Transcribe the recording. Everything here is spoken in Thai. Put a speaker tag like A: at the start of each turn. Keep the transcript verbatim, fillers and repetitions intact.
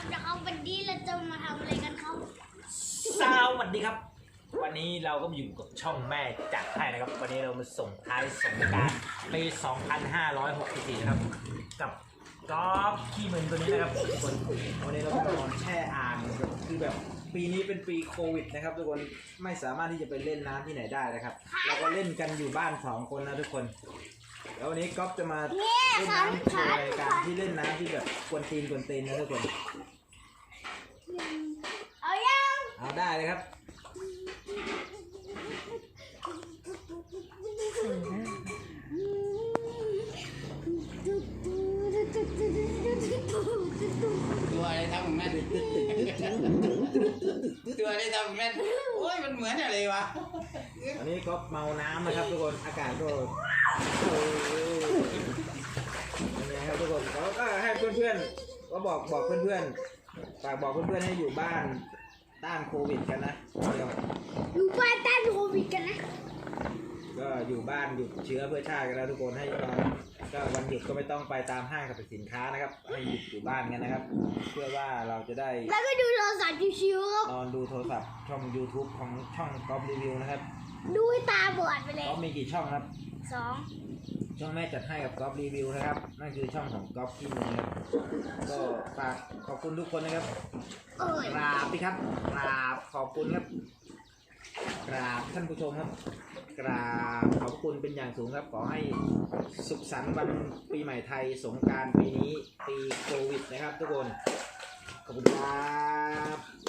A: ครับนะครับวันนี้เราจะมาทำอะไรกันครับ
B: สวัสดีครับวันนี้เราก็อยู่กับช่องแม่จัดให้นะครับวันนี้เรามาส่งท้ายสงกรานต์ปี สองพันห้าร้อยหกสิบสี่ นะครับกับกอล์ฟขี้มึนตัวนี้นะครับทุกคนวันนี้เราก็นอนแช่อ่างคือแบบปีนี้เป็นปีโควิดนะครับทุกคนไม่สามารถที่จะไปเล่นน้ำที่ไหนได้นะครับเราก็เล่นกันอยู่บ้านสองคนนะทุกคนแล้ววันนี้ก๊อฟจะมาเล่นน้ำโชว์รายการที่เล่นน้ำที่แบบกวนตีนกวนตีนนะทุกคน
A: เอายัง
B: เอาได้เลยครับ
C: ตัวอะไรทำของแม่ตัวอะไรทำของแม่โอ้ยมันเหมือนอะไรวะ
B: อันนี้ก็เมาน้ำนะครับทุกคนอากาศก็เป็นไงครับทุกคนแล้วก็ให้เพื่อนๆก็บอกบอกเพื่อนๆฝากบอกเพื่อนๆให้อยู่บ้านต้านโควิดกันนะเดี๋ยว
A: อยู่บ้านต้านโควิดกันนะ
B: ก็อยู่บ้านหยุดเชื้อเพื่อชาติกันแล้วทุกคนให้นอนก็วันหยุดก็ไม่ต้องไปตามห้างสรรพสินค้านะครับให้หยุดอยู่บ้านกันนะครับเพื่อว่าเราจะได้
A: แล้วก็ดูโทรศัพท์ชิวๆครับ
B: นอนดูโทรศัพท์ช่อง YouTube ของช่องก๊อฟรีวิวนะครับ
A: ดูให้ตาบอดไปเลย
B: ก๊อฟมีกี่ช่องครับ
A: สอง
B: ช่องแม่จัดให้กับก๊อฟรีวิวนะครับนั่นคือช่องของก๊อฟที่มือครับก็ฝากขอบคุณทุกคนนะครับกราบพี่ครับกราบขอบคุณครับกราบท่านผู้ชมครับกราบขอบคุณเป็นอย่างสูงครับขอให้สุขสันต์วันปีใหม่ไทยสงกรานต์ปีนี้ปีโควิดนะครับทุกคนขอบคุณครับ